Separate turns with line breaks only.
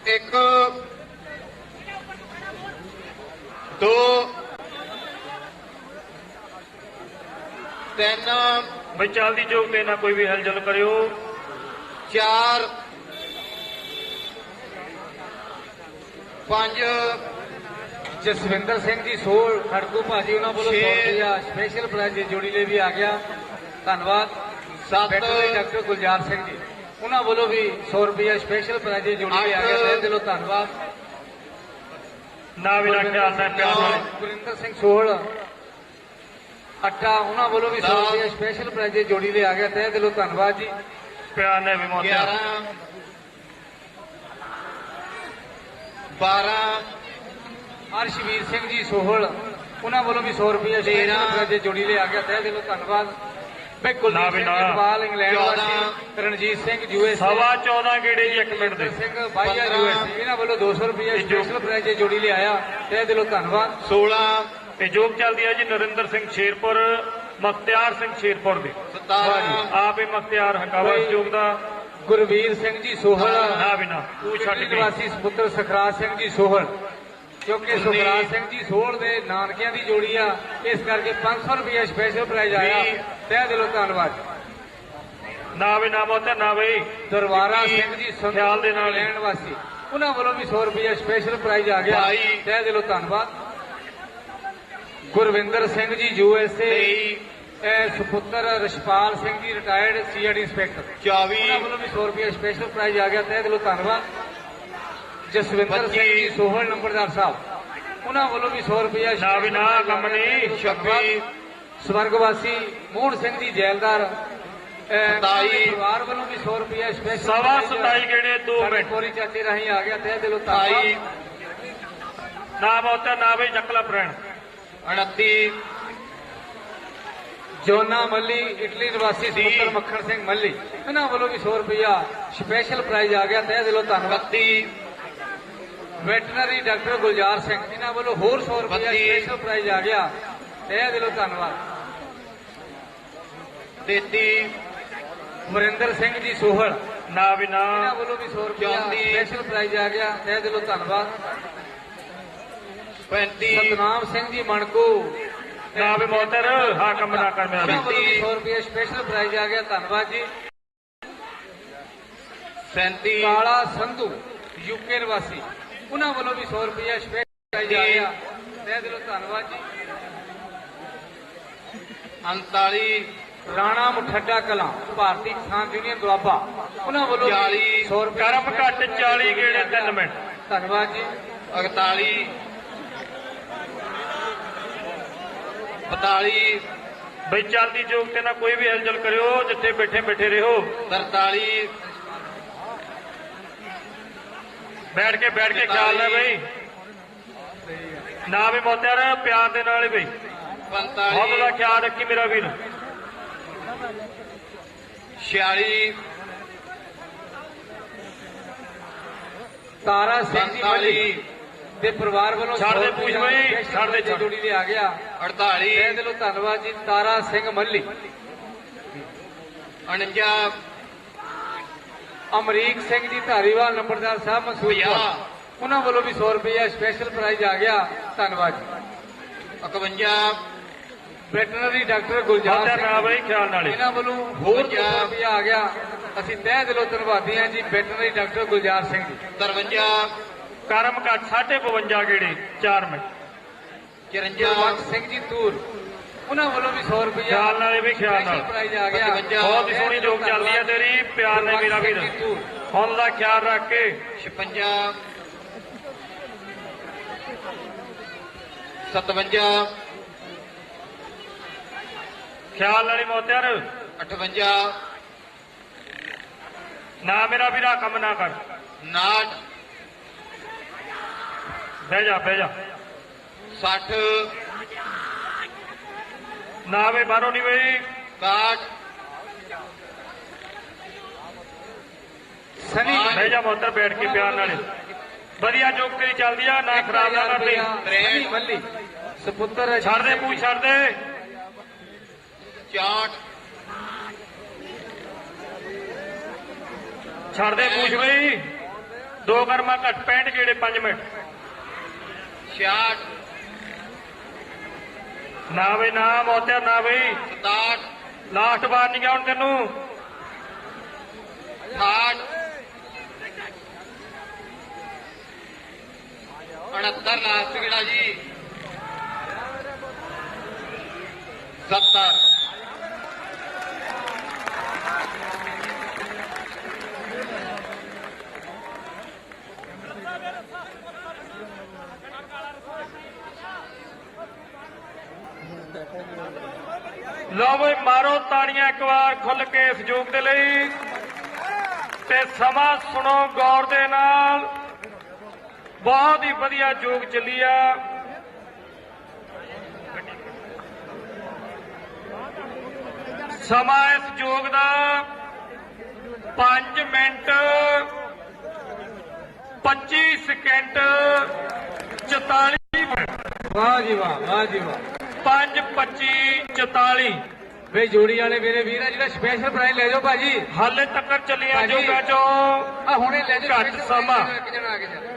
एक दो तीन
बई चलदी चौक ते ना कोई भी हलचल करियो।
4 5
जसविंदर सिंह जी सोल खड़कू भाजी उन्होंने बोलो 100 रुपया स्पेशल प्राइज जोड़ी ले भी आ गया। धन्यवाद।
7
डॉक्टर गुलजार सिंह जी उन्होंने बोलो भी 100 रुपया स्पेशल प्राइज जोड़ी ले आ गया। तहे दिलों धन्यवाद।
ना भी ना ख्याल ना प्यार नाल।
गुरिंदर सिंह सोहल अट्टा उन्होंने बोलो भी 100 रुपया स्पेशल प्राइज जोड़ी ले आ गया। तहे दिलों धन्यवाद जी।
प्यार ने भी मौत
12
अर्शवीर सिंह जी सोहल उन्होंने बोलो भी 100 रुपया स्पेशल प्राइज जोड़ी ले आ गया। तहे दिलों धन्यवाद। बिल्कुल इकबाल इंग्लैंड वासी रणजीत सिंह यूएस
14.25 गेड़े जी 1 मिनट दे
सिंह भाईया यूएस इन्होंने बोलो 200 रुपया स्पेशल प्राइज जोड़ी ले आया। तहे दिलों धन्यवाद।
16
ते जोग चलदी है जी नरिंदर सिंह शेरपुर मुख्तियार सिंह शेरपुर दे
17
आप ही मुख्तियार हकावा इस जोग दा।
गुरवीर सिंह जी सोहल
ना भी ना तू छट गई।
वासी पुत्र सखराज सिंह जी सोहल क्योंकि सुखराज सिंह जी सोहल दे नानकियां दी जोड़ी आ इस करके 500 रुपया स्पेशल प्राइज आया। तहे दिलों धन्यवाद।
ना भी ना मौत ना बई
दरबारा सिंह जी
ख्याल दे नाल
इंग्लैंड वासी उन्होंने बोलो भी 100 रुपया स्पेशल प्राइज आ गया। तहे दिलों धन्यवाद। गुरविंदर सिंह जी यूएसए सुपुत्र Rashpal Singh ji retired CID inspector
24
उन्होंने बोलो भी 100 रुपया स्पेशल प्राइज आ गया। तहे दिलों धन्यवाद। जसविंदर सिंह जी सोहल नंबरदार साहब उन्होंने बोलो भी 100 रुपया
ना भी ना कम नहीं।
26
स्वर्गवासी मोहन सिंह जी जैलदार
27
परिवार वालों भी 100 रुपया स्पेशल
27 गेड़े 2 मिनट
कोरी चाचे राही आ गया। तहे दिलों धन्यवाद।
28
ना मौत ना बई जकला प्रण
29
जोना मल्ली इटली निवासी सुपुत्र मक्खन सिंह मल्ली इन्होंने बोलो भी 100 रुपया स्पेशल प्राइज आ गया। तहे दिलों धन्यवाद।
32
वेटनरी डॉक्टर गुलजार सिंह इन्होंने बोलो होर 100 रुपया स्पेशल प्राइज आ गया। तहे दिलों धन्यवाद।
33
वरिंदर सिंह जी सोहल
ना भी ना
इन्होंने बोलो भी 100 रुपया स्पेशल प्राइज आ गया। तहे दिलों धन्यवाद।
35
सतनाम सिंह जी मणकू
ना भी मोहतर हाँ कम ना कर मेरा
उन्होंने बोलो भी 100 रुपया स्पेशल प्राइज आ गया। धन्यवाद जी।
37
काला संधू यूके निवासी उन्होंने बोलो भी 100 रुपया स्पेशल प्राइज आ गया। तहे दिलों धन्यवाद जी।
39
राणा मुठड्डा कला भारतीय किसान यूनियन दुआबा उन्होंने बोलो 100 रुपया
करम घट 40 गेड़े 3 मिनट।
धन्यवाद जी।
41 42
बई चलदी चौक ते ना कोई भी हलचल करियो जिथे बैठे बैठे रहो।
43
बैठ के ख्याल है बई ना भी मोत्यार प्यार दे नाल बई बहुत
45
बड़ा ख्याल रखी मेरा वीर।
46
तारा सिंह जी मल्ली ਦੇ ਪਰਿਵਾਰ ਵੱਲੋਂ
ਛੱਡ ਦੇ ਪੂਛ ਬਈ, ਛੱਡ ਦੇ, ਛੱਡ।
ਜੋੜੀ ਦੇ ਆ ਗਿਆ।
48
ਤਹਿ ਦਿਲੋਂ ਧੰਨਵਾਦ ਜੀ ਤਾਰਾ ਸਿੰਘ ਮੱਲੀ।
49
ਅਮਰੀਕ ਸਿੰਘ ਜੀ ਧਾਰੀਵਾਲ ਨੰਬਰਦਾਰ ਸਾਹਿਬ ਮਸੂਦਪੁਰ ਉਹਨਾਂ ਵੱਲੋਂ ਵੀ 100 ਰੁਪਇਆ ਸਪੈਸ਼ਲ ਪ੍ਰਾਈਜ਼ ਆ ਗਿਆ। ਧੰਨਵਾਦ ਜੀ।
51
ਵੈਟਰਨਰੀ ਡਾਕਟਰ ਗੁਲਜ਼ਾਰ
ਨਾ
ਸਿੰਘ
ਬਈ ਖਿਆਲ ਨਾਲ ਹੀ।
ਇਹਨਾਂ ਵੱਲੋਂ ਹੋਰ 200 ਰੁਪਇਆ ਆ ਗਿਆ। ਅਸੀਂ ਤਹਿ ਦਿਲੋਂ ਧੰਨਵਾਦੀ ਹਾਂ ਜੀ ਵੈਟਰਨਰੀ ਡਾਕਟਰ ਗੁਲਜ਼ਾਰ ਸਿੰਘ ਜੀ।
53
ਕਰਮ ਘੱਟ 52 ਗੇੜੇ 4 ਮਿੰਟ।
54
ਗੁਰਬਖਸ਼ ਸਿੰਘ ਜੀ ਤੂਰ ਉਹਨਾਂ ਵੱਲੋਂ ਵੀ 100 ਰੁਪਇਆ
ਖਿਆਲ ਨਾਲ ਵੀ ਖਿਆਲ ਨਾਲ।
ਪ੍ਰਾਈਜ਼ ਆ ਗਿਆ।
55
ਬਹੁਤ ਹੀ ਸੋਹਣੀ ਜੋਗ ਚੱਲਦੀ ਹੈ ਤੇਰੀ ਪਿਆਰ ਨੇ ਮੇਰਾ ਵੀਰ। ਹੁਣ ਦਾ ਖਿਆਲ ਰੱਖ ਕੇ
56 57
ਖਿਆਲ ਨਾਲ ਹੀ ਮੋਤਿਆਰ
58
ਨਾ ਮੇਰਾ ਵੀਰਾ ਕੰਮ ਨਾ ਕਰ।
59
ਬਹਿ ਜਾ ਬਹਿ ਜਾ
60
ਨਾ ਵੇ ਬਾਹਰੋਂ ਨਹੀਂ ਬਈ
61
ਸਨੀ
ਬਹਿ ਜਾ ਮੋਤਰ ਬੈਠ ਕੇ ਪਿਆਰ ਨਾਲ। ਵਧੀਆ ਜੋਗ ਤੇਰੀ ਚੱਲਦੀ ਆ ਨਾ ਖਰਾਬ ਨਾ ਕਰ ਲਈ।
ਸਨੀ ਮੱਲੀ ਸਪੁੱਤਰ
ਛੱਡ ਦੇ ਪੂਛ ਛੱਡ ਦੇ
64
ਛੱਡ ਦੇ ਪੂਛ ਬਈ 2 ਕਰਮਾ ਘੱਟ 65 ਜਿਹੜੇ 5 ਮਿੰਟ
66
ਨਾ ਬਈ ਨਾ ਮੋਤਿਆ ਨਾ ਬਈ
67
ਲਾਸਟ ਵਾਰ ਨਹੀਂ ਗਿਆ ਹੁਣ ਤੈਨੂੰ
68 69 ਲਾਸਟ ਕਿਹੜਾ ਜੀ 70
ਲਓ ਬਈ ਮਾਰੋ ਤਾੜੀਆਂ ਇੱਕ ਵਾਰ ਖੁੱਲ ਕੇ ਇਸ ਜੋਗ ਦੇ ਲਈ ਤੇ ਸਮਾਂ ਸੁਣੋ ਗੌਰ ਦੇ ਨਾਲ। ਬਹੁਤ ਹੀ ਵਧੀਆ ਜੋਗ ਚੱਲੀ ਆ। ਸਮਾਂ ਇਸ ਜੋਗ ਦਾ 5 ਮਿੰਟ 25 ਸਕਿੰਟ 44 ਮਿੰਟ
ਵਾਹ ਜੀ ਵਾਹ, ਵਾਹ ਜੀ ਵਾਹ।
5 25 44
ਵੇ ਜੋੜੀ ਵਾਲੇ ਮੇਰੇ ਵੀਰ ਆ ਜਿਹੜਾ ਸਪੈਸ਼ਲ ਪ੍ਰਾਈਜ਼ ਲੈ ਜਾਓ ਭਾਜੀ।
ਹਾਲੇ ਤੱਕ ਚੱਲੀਆਂ
ਭਾਜੀ।
ਜੋਗਾਂ ਚੋਂ
ਆ ਹੁਣੇ ਲੈ ਜਾਓ
ਘੱਟ ਸਮਾਂ।
ਇੱਕ ਜਣਾ ਆ ਕੇ ਜਾ